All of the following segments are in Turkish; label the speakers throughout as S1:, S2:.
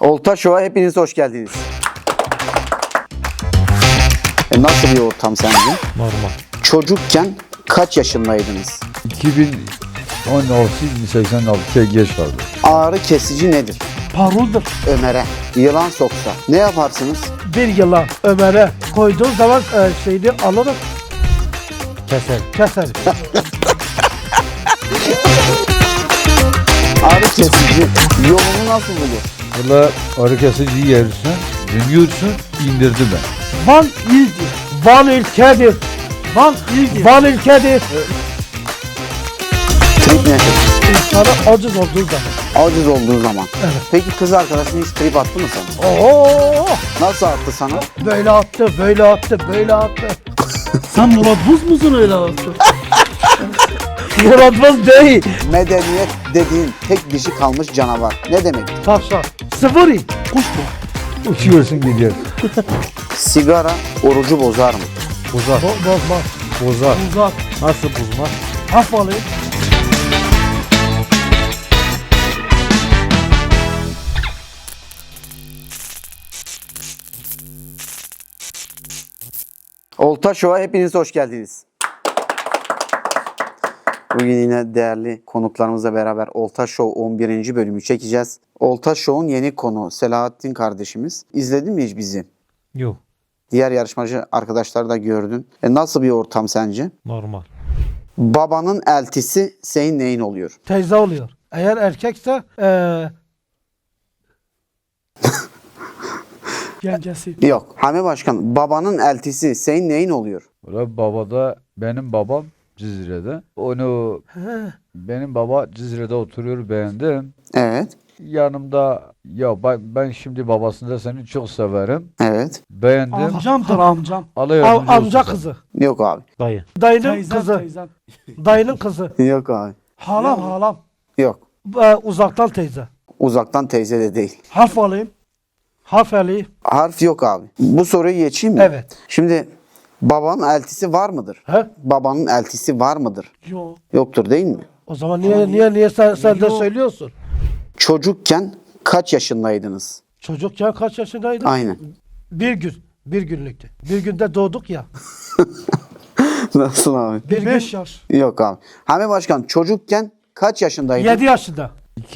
S1: Olta Show'a hepiniz hoş geldiniz. Nasıl bir ortam sence?
S2: Normal.
S1: Çocukken kaç yaşındaydınız?
S3: 2016-86'ya geç kaldı.
S1: Ağrı kesici nedir?
S2: Paruldur.
S1: Ömer'e yılan soksa ne yaparsınız?
S2: Bir yılan Ömer'e koyduğun zaman şeyini alırım. Keser.
S1: Ağrı kesici yolunu nasıl bulur?
S3: Valla ağrı kesici yersin, dönüyorsun, indirdi ben.
S2: Van ildir. Van ülkedir. Van ildir. Van ülkedir.
S1: Trip nedir?
S2: İnsana aciz olduğu zaman.
S1: Aciz olduğu zaman.
S2: Evet.
S1: Peki kız arkadaşın hiç trip attı mı sana?
S2: Oo!
S1: Nasıl attı sana?
S2: Böyle attı.
S4: Sen Murat Buz musun öyle attı?
S2: Murat Buz değil.
S1: Medeniyet dediğin tek dişi kalmış canavar. Ne demek?
S2: Tavşan. Sıfırı.
S4: Kuş bu.
S3: Uçuyorsun gidiyorsun.
S1: Sigara orucu bozar mı?
S3: Bozar.
S2: Bozmaz.
S3: Bozar.
S2: Uzak.
S3: Nasıl bozmaz?
S2: Hafalı.
S1: Olta Show'a hepiniz hoş geldiniz. Bugün yine değerli konuklarımızla beraber Olta Show 11. bölümü çekeceğiz. Olta Show'un yeni konu Selahattin kardeşimiz. İzledin mi hiç bizi?
S2: Yok.
S1: Diğer yarışmacı arkadaşlar da gördün. Nasıl bir ortam sence?
S2: Normal.
S1: Babanın eltisi senin neyin oluyor?
S2: Teyze oluyor. Eğer erkekse
S4: Gencesi.
S1: Yok. Hami Başkan, babanın eltisi senin neyin oluyor?
S3: Valla babada, benim babam Cizre'de. Benim baba Cizre'de oturuyor, beğendim.
S1: Evet.
S3: Yanımda, ya ben şimdi babasında seni çok severim.
S1: Evet.
S3: Beğendim.
S4: Amcamdır amcam.
S3: Allah yardımcı
S2: amca
S3: olsun.
S2: kızı.
S1: Yok abi.
S2: Dayı. Dayının
S4: Teyzem
S2: kızı.
S4: teyzem.
S2: Dayının kızı.
S1: Yok abi.
S2: Halam.
S1: Yok.
S2: Uzaktan teyze.
S1: Uzaktan teyze de değil.
S2: Harf alayım. Harf alayım.
S1: Harf yok abi. Bu soruyu geçeyim mi?
S2: Evet.
S1: Şimdi babanın eltisi var mıdır?
S2: He?
S1: Babanın eltisi var mıdır?
S4: Yok.
S1: Yoktur değil mi?
S2: O zaman niye sen de
S4: Yok.
S2: söylüyorsun?
S1: Çocukken kaç yaşındaydınız?
S2: Çocukken kaç yaşındaydın?
S1: Aynen.
S2: Bir gün. Bir günlüktü. Bir günde doğduk ya.
S1: Nasıl abi?
S2: Bir
S4: 5
S2: gün.
S4: yaş.
S1: Yok abi. Hami Başkan çocukken kaç yaşındaydın?
S2: 7 yaşında.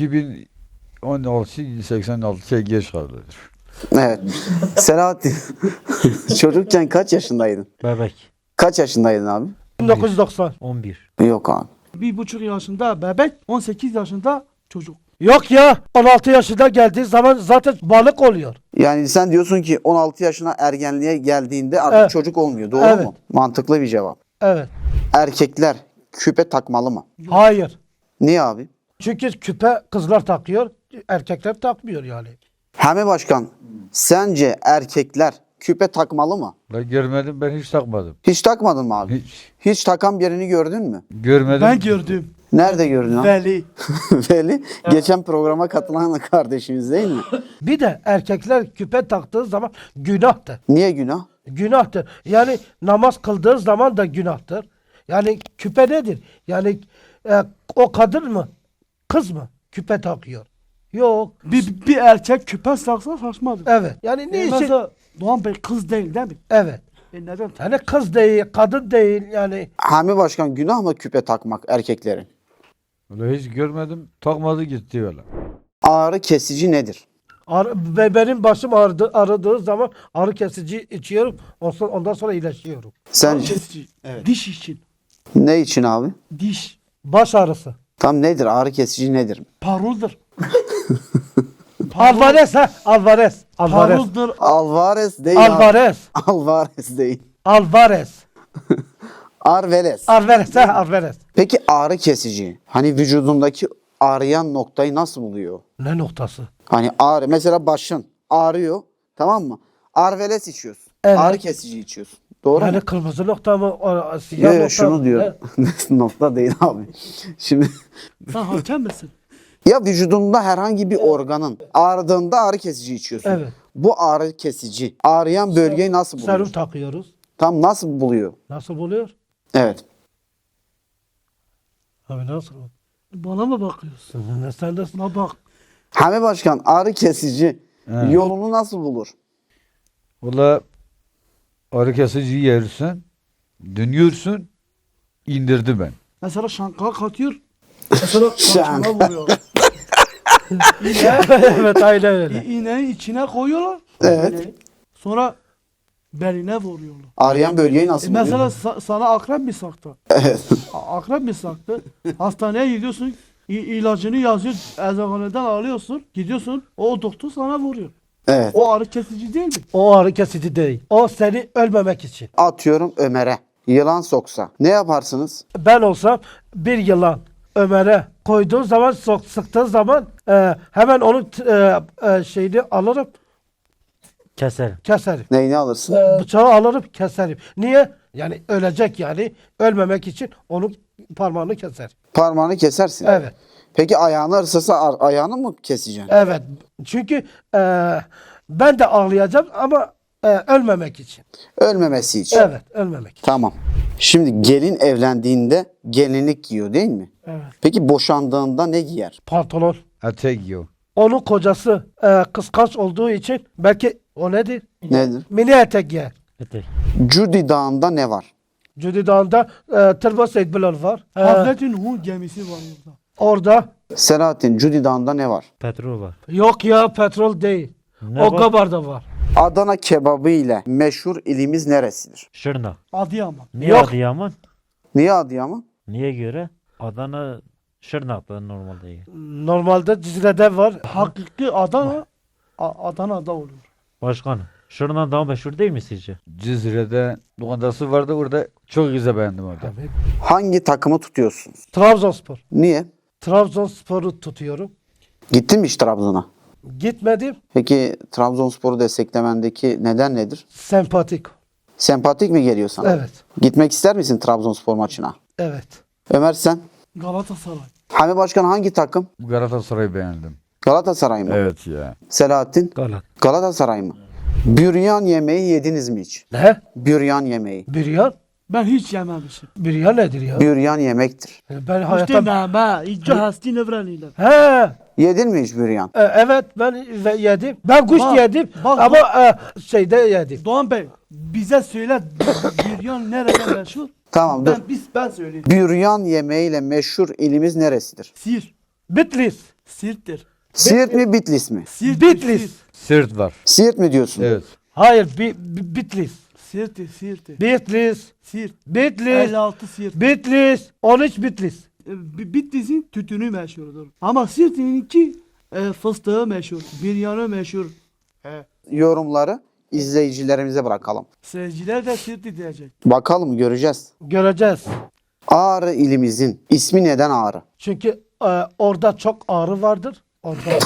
S3: 2016-86'ya geç kaldı.
S1: Evet. Selahattin. Çocukken kaç yaşındaydın?
S2: Bebek.
S1: Kaç yaşındaydın abi?
S2: 1990. 11.
S1: Yok abi.
S4: 1,5 yaşında bebek, 18 yaşında çocuk.
S2: Yok ya. 16 yaşında geldiği zaman zaten balık oluyor.
S1: Yani sen diyorsun ki 16 yaşına ergenliğe geldiğinde artık
S2: Evet.
S1: çocuk olmuyor. Doğru
S2: Evet.
S1: mu? Mantıklı bir cevap.
S2: Evet.
S1: Erkekler küpe takmalı mı?
S2: Hayır.
S1: Niye abi?
S2: Çünkü küpe kızlar takıyor. Erkekler takmıyor yani.
S1: Hami Başkan, sence erkekler küpe takmalı mı?
S3: Ben görmedim, ben hiç takmadım.
S1: Hiç takmadın mı abi?
S3: Hiç.
S1: Hiç takan birini gördün mü?
S3: Görmedim.
S4: Ben gördüm.
S1: Nerede gördün abi?
S4: Veli.
S1: Veli. Geçen programa katılan kardeşimiz değil mi?
S2: Bir de erkekler küpe taktığı zaman günahtır.
S1: Niye günah?
S2: Günahtır. Yani namaz kıldığı zaman da günahtır. Yani küpe nedir? Yani o kadın mı? Kız mı? Küpe takıyor. Yok.
S4: Bir erkek küpe saksa saçmadır.
S2: Evet. Yani ne için?
S4: Mesela Doğan Bey kız değil mi?
S2: Evet.
S4: Neden?
S2: Yani kız değil, kadın değil yani.
S1: Hami Başkan, günah mı küpe takmak erkeklerin?
S3: Öyle hiç görmedim, takmadı gitti öyle.
S1: Ağrı kesici nedir?
S2: Ve benim başım ağrıdığı zaman ağrı kesici içiyorum. Ondan sonra iyileşiyorum.
S1: Sence
S4: Kesici. Diş için.
S1: ne için abi?
S4: Diş.
S2: Baş ağrısı.
S1: Tam nedir? Ağrı kesici nedir?
S4: Paruldur.
S2: Alvarez ha? Alvarez.
S4: Paruldur.
S1: Alvarez değil abi.
S2: Alvarez.
S1: Alvarez değil.
S2: Alvarez.
S1: Arveles.
S2: Alvarez ha? Alvarez.
S1: Peki ağrı kesici, hani vücudundaki ağrıyan noktayı nasıl buluyor?
S2: Ne noktası?
S1: Hani ağrı, mesela başın ağrıyor, tamam mı? Arveles içiyorsun.
S2: Evet.
S1: Ağrı kesici içiyorsun. Doğru
S2: Yani
S1: mu?
S2: kırmızı nokta mı? Siyah
S1: Yok
S2: nokta
S1: yok, şunu
S2: mı?
S1: diyor. Nokta değil abi. Şimdi
S4: Sen hakem misin?
S1: ya vücudunda herhangi bir organın ağrıdığında ağrı kesici içiyorsun.
S2: Evet.
S1: Bu ağrı kesici ağrıyan bölgeyi nasıl buluyor?
S2: Serum takıyoruz.
S1: Tam nasıl buluyor?
S2: Nasıl buluyor?
S1: Evet.
S2: Abi nasıl?
S4: Bana mı bakıyorsun?
S2: Sen de
S4: Buna bak.
S1: Hami Başkan, ağrı kesici
S3: He.
S1: Yolunu nasıl bulur?
S3: Valla ağrı kesici yersin, dönüyorsun, indirdi ben.
S4: Mesela şanka katıyor. Mesela şankana vuruyor.
S2: Evet aynen öyle.
S4: İğneyi içine koyuyorlar.
S1: Evet.
S4: İğneyi. Sonra beline vuruyorlar.
S1: Ağrıyan bölgeyi nasıl buluyor?
S4: Mesela sana akrep mi saktı?
S1: Evet.
S4: Akrep mi saktı? Hastaneye gidiyorsun. İlacını yazıyor. Eczaneden alıyorsun. Gidiyorsun. O doktor sana vuruyor.
S1: Evet.
S4: O ağrı kesici değil mi?
S2: O ağrı kesici değil. O seni ölmemek için.
S1: Atıyorum Ömer'e. Yılan soksa ne yaparsınız?
S2: Ben olsam bir yılan Ömer'e koyduğun zaman sıktığın zaman hemen onun şeyini alırım
S5: Keserim.
S2: keserim.
S1: Neyini alırsın?
S2: Bıçağı alırım keserim. Niye? Yani ölecek yani. Ölmemek için onun parmağını keserim.
S1: Parmağını kesersin.
S2: Evet.
S1: Peki ayağını ısırsa ayağını mı keseceksin?
S2: Evet. Çünkü ben de ağlayacağım ama ölmemek için.
S1: Ölmemesi için.
S2: Evet. Ölmemek için.
S1: Tamam. Şimdi gelin evlendiğinde gelinlik giyiyor değil mi?
S2: Evet.
S1: Peki boşandığında ne giyer?
S2: Pantolon.
S3: Etek yiyor.
S2: Onun kocası kıskanç olduğu için belki o nedir?
S1: Nedir?
S2: Mini etek giyer.
S5: Etek.
S1: Cudi Dağı'nda ne var?
S2: Cudi Dağı'nda Tırba Seyd Bilal var.
S4: Hazreti Nuh'un gemisi var orada.
S2: Orada
S1: Selahattin Cudi Dağı'nda ne var?
S5: Petrol var.
S2: yok ya petrol değil.
S5: Ne
S2: O
S5: var?
S2: Gabar'da var.
S1: Adana kebabı ile meşhur ilimiz neresidir?
S5: Şırnak.
S4: Adıyaman.
S5: Niye
S2: Yok.
S5: Adıyaman?
S1: Niye Adıyaman?
S5: Niye göre? Adana Şırnak'ta normal değil.
S2: Normalde Cizre'de var.
S4: Hakiki Adana Adana'da oluyor.
S5: Başkanım. Şırnak daha meşhur değil mi sizce?
S3: Cizre'de lokantası vardı orada çok güzel beğendim orada.
S1: Hangi takımı tutuyorsunuz?
S2: Trabzonspor.
S1: Niye?
S2: Trabzonspor'u tutuyorum.
S1: Gittin mi hiç Trabzon'a?
S2: Gitmedim.
S1: Peki Trabzonspor'u desteklemendeki neden nedir?
S2: Sempatik.
S1: Sempatik mi geliyor sana?
S2: Evet.
S1: Gitmek ister misin Trabzonspor maçına?
S2: Evet.
S1: Ömer sen?
S4: Galatasaray.
S1: Hami Başkan hangi takım?
S3: Galatasaray'ı beğendim.
S1: Galatasaray mı?
S3: Evet ya.
S1: Selahattin?
S5: Galat.
S1: Galatasaray mı? Büryan yemeği yediniz mi hiç?
S2: Ne?
S1: Büryan yemeği.
S2: Büryan?
S4: Ben hiç yememişim.
S2: Büryan nedir ya?
S1: Büryan yemektir.
S2: Ben
S4: İşte
S2: hayatta...
S4: nama. İyice hasti nevreniyle.
S2: He.
S1: Yedin mi hiç büryan?
S2: Evet ben yedim. Ben kuş
S4: Bak,
S2: yedim
S4: bak,
S2: ama şeyde yedim.
S4: Doğan Bey bize söyle büryan nereden meşhur?
S1: Tamam dur.
S4: Ben söyleyeyim.
S1: Büryan yemeğiyle meşhur ilimiz neresidir?
S4: Sir.
S2: Bitlis.
S4: Sirttir.
S1: Siirt mi Bitlis mi?
S4: Sirttir.
S2: Bitlis.
S3: Sırt var.
S1: Siirt mi diyorsun?
S3: Evet.
S2: Hayır Bitlis.
S4: Sirttir. Sirttir.
S2: Bitlis.
S4: Sirt.
S2: Bitlis.
S4: 56 Sirt.
S2: Bitlis. 13 Bitlis.
S4: Bitlis'in tütünü meşhurdur. Ama Sirt'inki fıstığı meşhur. Biryanı meşhur.
S1: Yorumları izleyicilerimize bırakalım.
S4: Seyirciler de Sirt'i diyecek.
S1: Bakalım göreceğiz.
S2: Göreceğiz.
S1: Ağrı ilimizin ismi neden Ağrı?
S2: Çünkü orada çok ağrı vardır. Orada.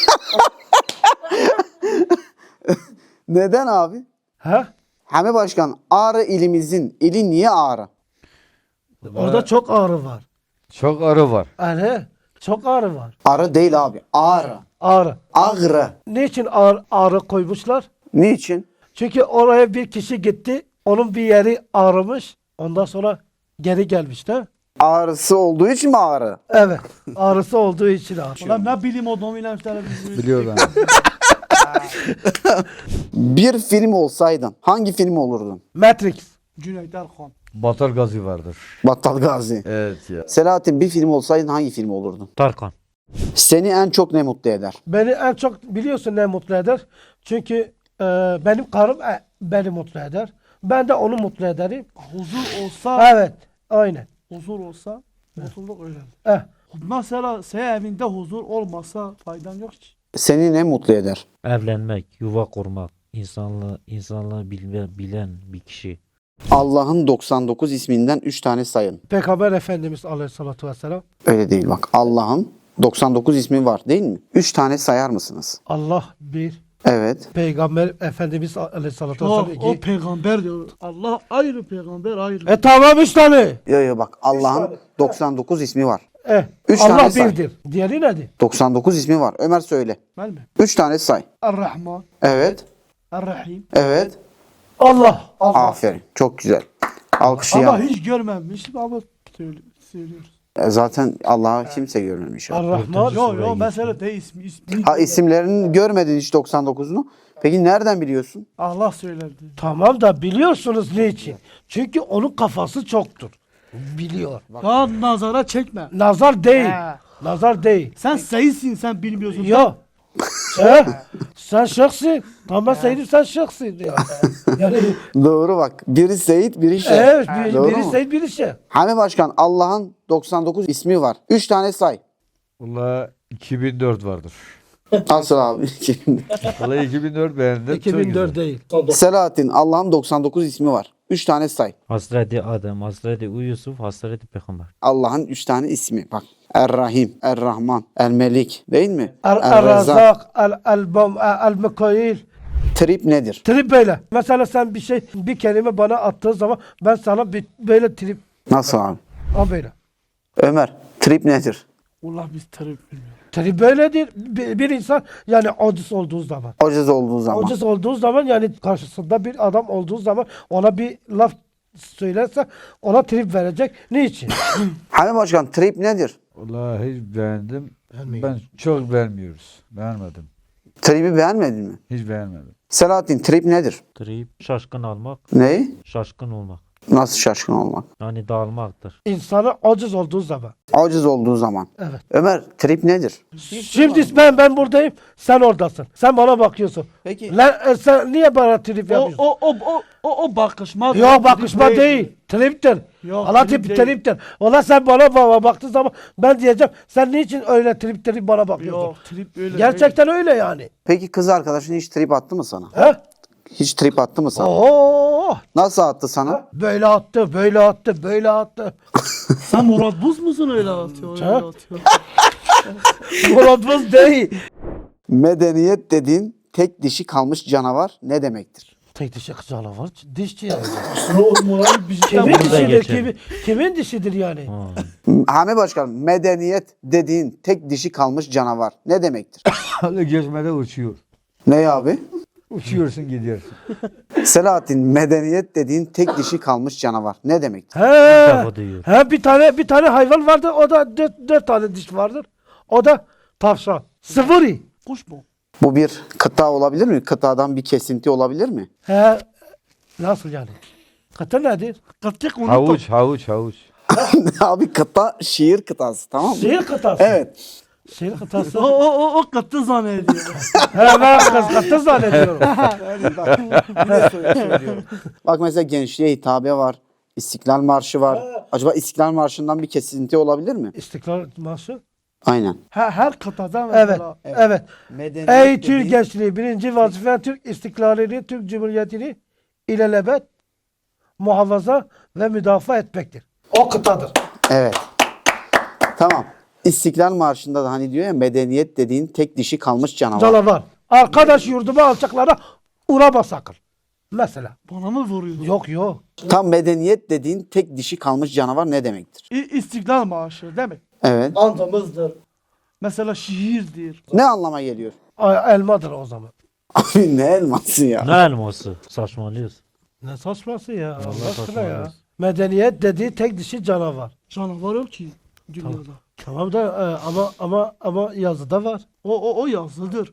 S1: Neden abi?
S2: ha?
S1: Hami Başkan Ağrı ilimizin ili niye Ağrı?
S2: Orada çok ağrı var.
S3: Çok arı var.
S2: Yani çok ağrı var.
S1: Arı değil abi. Ağrı.
S2: Ağrı.
S1: Ağrı.
S2: Niçin ağrı koymuşlar?
S1: Niçin?
S2: Çünkü oraya bir kişi gitti. Onun bir yeri ağrımış. Ondan sonra geri gelmiş de.
S1: Ağrısı olduğu için mi Ağrı?
S2: Evet. Ağrısı olduğu için ağrı.
S4: Ulan ne bilim adamıyla işte bizim.
S3: Biliyorlar.
S1: Bir film olsaydın hangi film olurdun?
S2: Matrix.
S4: Cüneyt Erkan.
S3: Batar Gazi vardır.
S1: Battal Gazi.
S3: Evet ya.
S1: Selahattin bir film olsaydın hangi film olurdun?
S5: Tarkan.
S1: Seni en çok ne mutlu eder?
S2: Beni en çok biliyorsun ne mutlu eder. Çünkü benim karım beni mutlu eder. Ben de onu mutlu ederim.
S4: Huzur olsa,
S2: Evet. Aynen.
S4: huzur olsa, mutluluk öyle.
S2: Eh.
S4: Mesela senin evinde huzur olmasa faydan yok ki.
S1: Seni ne mutlu eder?
S5: Evlenmek, yuva kurmak, insanlığı bilen bir kişi.
S1: Allah'ın 99 isminden 3 tane sayın.
S2: Peygamber Efendimiz Aleyhisselatü Vesselam.
S1: Öyle değil bak. Allah'ın 99 ismi var değil mi? 3 tane sayar mısınız?
S2: Allah bir.
S1: Evet.
S2: Peygamber Efendimiz Aleyhisselatü
S4: O,
S2: Vesselam
S4: o
S2: iki.
S4: peygamber diyor. Allah ayrı, peygamber ayrı.
S2: Tamam 3 tane.
S1: Yo bak Allah'ın 99 ismi var. Üç
S2: Allah
S1: tane say.
S2: birdir. Diğeri nedir?
S1: 99 ismi var. Ömer söyle.
S4: Ben mi?
S1: 3 tane say.
S4: Er-Rahman,
S1: Evet.
S4: Er-Rahim.
S1: Evet.
S2: Allah.
S1: Aferin. Çok güzel.
S4: Ama
S1: Alkışlayalım.
S4: hiç görmemişim ama söylüyoruz.
S1: Zaten Allah'a kimse görmemiş. abi.
S2: Ar-Rahman.
S4: Yo mesele değil ismi.
S1: Ha, isimlerini görmedin hiç 99'unu. Peki nereden biliyorsun?
S4: Allah söyledi.
S2: Tamam da biliyorsunuz niçin? Çünkü onun kafası çoktur. Biliyor.
S4: Ya nazara çekme.
S2: Nazar değil.
S4: He.
S2: Nazar değil.
S4: Sen seyitsin sen bilmiyorsun.
S2: Yok. Sen şıksın. Tamam Seyit'im sen şıksın. Yani
S1: Doğru bak. Biri Seyit, biri şey.
S2: evet
S1: Doğru
S2: biri
S1: mu?
S2: Seyit biri şey.
S1: Hami Başkan, Allah'ın 99 ismi var. 3 tane say.
S3: Valla 2004 vardır.
S1: Nasıl abi?
S3: Valla 2004 beğendim.
S2: 2004 değil.
S1: Selahattin, Allah'ın 99 ismi var. 3 tane say.
S5: Hazreti Adem, Hazreti Yusuf, Hazreti Peygamber.
S1: Allah'ın 3 tane ismi. Bak. Er-Rahim, Er-Rahman, El-Melik değil mi? Er-Rezzak.
S2: El-Razak, El-Mekail.
S1: Trip nedir?
S2: Trip böyle. Mesela sen bir kelime bana attığın zaman ben sana böyle trip.
S1: Nasıl abi?
S2: Ha böyle.
S1: Ömer, trip nedir?
S4: Allah biz tarif bilmiyor.
S2: Trip böyledir. Bir insan yani aciz olduğu zaman.
S1: Aciz olduğu zaman.
S2: Aciz olduğu zaman yani karşısında bir adam olduğu zaman ona bir laf söylerse ona trip verecek. Niçin?
S1: Hami Başkan, trip nedir?
S3: Valla hiç beğendim. Ben çok beğenmiyoruz. Beğenmedim.
S1: Trip'i beğenmedin mi?
S3: Hiç beğenmedim.
S1: Selahattin, trip nedir?
S5: Trip, şaşkın almak,
S1: Ne?
S5: şaşkın olmak.
S1: Nasıl şaşkın olmak?
S5: Yani dağılmaktır.
S2: İnsanı aciz olduğu zaman.
S1: Aciz olduğu zaman.
S2: Evet.
S1: Ömer, trip nedir?
S2: Şimdi ben buradayım, sen oradasın. Sen bana bakıyorsun.
S1: Peki.
S2: Lan sen niye bana trip
S4: O
S2: yapıyorsun?
S4: o bakışma.
S2: Yok bakışma değil. Triptir.
S4: Yok,
S2: Allah
S4: trip
S2: trip
S4: değil.
S2: triptir. Ona sen bana baktığın zaman ben diyeceğim sen niçin öyle trip bana bakıyorsun?
S4: Yok trip öyle.
S2: Gerçekten öyle yani.
S1: Peki kız arkadaşın hiç trip attı mı sana?
S2: He?
S1: Hiç trip attı mı sana?
S2: Oo!
S1: Nasıl attı sana?
S2: Böyle attı, böyle attı, böyle attı.
S4: Sen Murat Buz musun öyle atıyor? Öyle
S2: Ha?
S4: atıyor.
S2: Murat Buz değil.
S1: Medeniyet dediğin tek dişi kalmış canavar ne demektir?
S2: Tek dişi canavar, dişçi yani.
S4: O Murat
S2: Kimin
S5: Bunu da
S2: dişidir?
S5: geçelim.
S2: Kimin dişidir yani?
S5: Ha.
S1: Hami Başkan, medeniyet dediğin tek dişi kalmış canavar ne demektir?
S3: Hala geçmede uçuyor.
S1: Ne abi?
S3: Uçuyorsun gidiyorsun.
S1: Selahattin, medeniyet dediğin tek dişi kalmış canavar ne demektir?
S2: He.
S5: defa duyuyorum.
S2: He bir tane hayvan vardır. O da dört tane diş vardır. O da tavşan. Sıvırı.
S4: Kuş mu?
S1: Bu bir kıta olabilir mi? Kıtadan bir kesinti olabilir mi?
S2: He. Nasıl yani? Kıta nedir?
S4: Kıtçık unuttum.
S3: Havuç.
S1: Abi kıta şiir kıtası, tamam mı?
S2: Şehir kıtası.
S1: Evet.
S2: Şehir kıtası.
S4: O kıttı zannediyor.
S2: He ben kıtası zannediyorum.
S1: Bak mesela gençliğe hitabe var. İstiklal Marşı var. Acaba İstiklal Marşı'ndan bir kesinti olabilir mi?
S2: İstiklal Marşı.
S1: Aynen.
S4: Her kıtada
S2: Evet.
S4: mesela.
S2: Evet.
S1: Medeniyet
S2: Ey Türk gençliği birinci vazifen Türk istiklalini, Türk Cumhuriyeti'ni ilelebet muhafaza ve müdafaa etmektir. O kıtadır.
S1: Evet. Tamam. İstiklal Marşı'nda da hani diyor ya medeniyet dediğin tek dişi kalmış canavar.
S2: Canavar. Arkadaş yurduma alçaklara uğrama sakın. Mesela.
S4: Bana mı vuruyor?
S2: Yok.
S1: Tam medeniyet dediğin tek dişi kalmış canavar ne demektir?
S4: İstiklal Marşı değil mi?
S1: Evet.
S2: Andımızdır.
S4: Mesela şiirdir.
S1: Ne anlama geliyor?
S2: Elmadır o zaman.
S1: Abi ne elması ya?
S5: Ne elması? Saçmalıyorsun.
S2: Ne saçması ya. Allah aşkına ya.
S5: saçmalıyorsun.
S2: Medeniyet dediği tek dişi canavar.
S4: Canavar yok ki dünyada.
S2: Tamam da ama yazıda var.
S4: O yazıdır.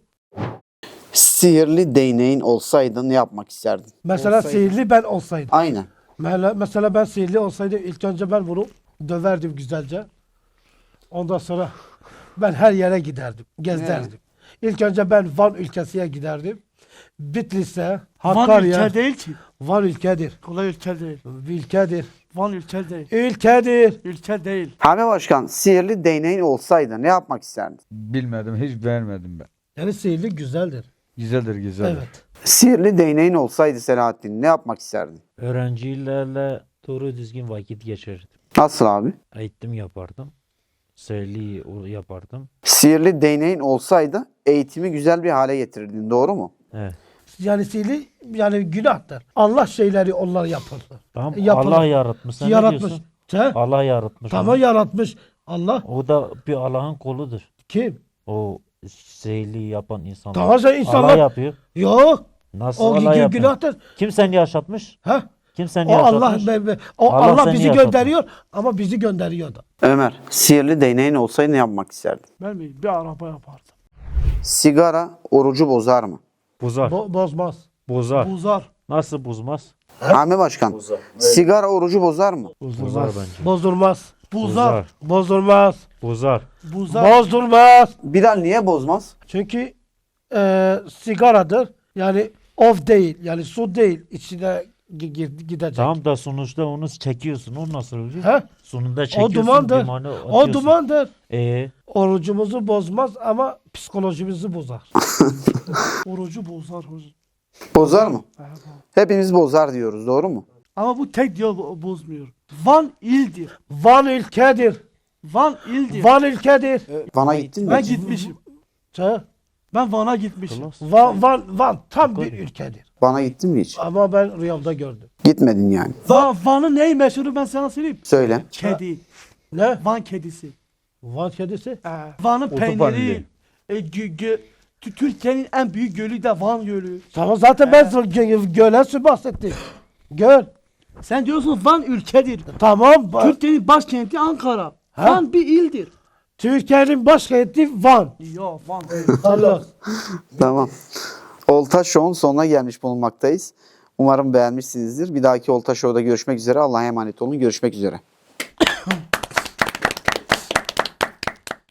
S1: Sihirli değneğin olsaydı ne yapmak isterdin?
S2: Mesela sihirli ben olsaydım.
S1: Aynen.
S2: Mesela ben sihirli olsaydım ilk önce ben bunu döverdim güzelce. Ondan sonra ben her yere giderdim. Gezerdim. İlk önce ben Van ülkesine giderdim. Bitlis'e,
S4: Van
S2: Hakkari'ye.
S4: ülke değil ki.
S2: Van ülkedir.
S4: Kolay ülke değil.
S2: Ülkedir.
S4: Van ülke değil.
S2: Ülkedir.
S4: Ülke değil.
S1: Hami Başkan, sihirli değneğin olsaydı ne yapmak isterdin?
S3: Bilmedim. Hiç beğenmedim ben.
S2: Yani sihirli güzeldir.
S3: Güzeldir.
S2: Evet.
S1: Sihirli değneğin olsaydı Selahattin ne yapmak isterdin?
S5: Öğrencilerle doğru düzgün vakit geçirirdim.
S1: Nasıl abi?
S5: Eğitim yapardım. Seyirli yapardım.
S1: Sihirli değneğin olsaydı eğitimi güzel bir hale getirirdin, doğru mu?
S5: Evet.
S2: Yani sihirli yani günahtır. Allah şeyleri onlar yapar.
S5: Tamam,
S2: Yapılır.
S5: Allah yaratmış. Sen ne
S2: Yaratmış.
S5: diyorsun?
S2: He?
S5: Allah yaratmış.
S2: Tamam
S5: onu.
S2: yaratmış. Allah
S5: O da bir Allah'ın koludur.
S2: kim?
S5: O seyirli yapan insanlar.
S2: Tamam sen insanlar-
S5: Allah yapıyor.
S2: Yok.
S5: Nasıl
S2: O
S5: Allah yapıyor?
S2: günahtır.
S5: Kim seni yaşatmış?
S2: Ha?
S5: Kim seni
S2: O Allah
S5: yaşatmış?
S2: o
S5: Allah
S2: Allah
S5: seni
S2: bizi
S5: yaşatmış.
S2: gönderiyor ama bizi gönderiyor da.
S1: Ömer, sihirli değneğin olsaydı ne yapmak isterdin?
S4: Ben mi? Bir araba yapardım.
S1: Sigara orucu bozar mı?
S5: Bozar.
S2: Bozmaz.
S5: Bozar.
S4: Buzar.
S5: Nasıl bozmaz?
S1: Hami Başkan, sigara orucu bozar mı?
S5: Bozar bence.
S2: Bozulmaz.
S4: Buzar.
S2: Bozulmaz.
S5: Bozar.
S4: Buzar.
S2: Bozulmaz.
S1: Bilal niye bozmaz?
S2: Çünkü sigaradır. Yani of değil. Yani su değil. İçine gidecek.
S5: Tamam da sonuçta onu çekiyorsun. O nasıl oluyor?
S2: He?
S5: Sonunda
S2: O
S5: çekiyorsun.
S2: dumandır.
S5: dumanı
S2: O
S5: atıyorsun.
S2: dumandır. Orucumuzu bozmaz ama psikolojimizi bozar.
S4: Orucu bozar hocam.
S1: Bozar mı?
S4: Evet.
S1: Hepimiz bozar diyoruz, doğru mu?
S4: Ama bu tek diyor bozmuyor. Van ildir.
S2: Van ülkedir.
S4: Van ildir.
S2: Van ülkedir.
S1: Van'a gittin mi?
S4: Ben
S1: hiç?
S4: gitmişim.
S2: Ha?
S4: Ben Van'a gitmişim.
S2: Van tam bir ülkedir.
S1: Van'a gittin mi hiç?
S2: Ama ben rüyamda gördüm.
S1: Gitmedin yani.
S4: Van'ın neyi meşhuru ben sana söyleyeyim.
S1: Söyle.
S4: Kedi.
S2: Ne?
S4: Van kedisi.
S2: Van kedisi?
S4: Van'ın
S3: Otobanlı.
S4: peyniri. Türkiye'nin en büyük gölü de Van Gölü.
S2: Tamam zaten ben göle su bahsettim. Göl.
S4: Sen diyorsun Van ülkedir.
S2: Tamam.
S4: Türkiye'nin başkenti Ankara.
S2: Ha?
S4: Van bir ildir.
S2: Türkiye'nin başkenti Van.
S4: Yok Van.
S2: Allah.
S1: Tamam. Olta Show'un sonuna gelmiş bulunmaktayız. Umarım beğenmişsinizdir. Bir dahaki Olta Show'da görüşmek üzere. Allah'a emanet olun. Görüşmek üzere.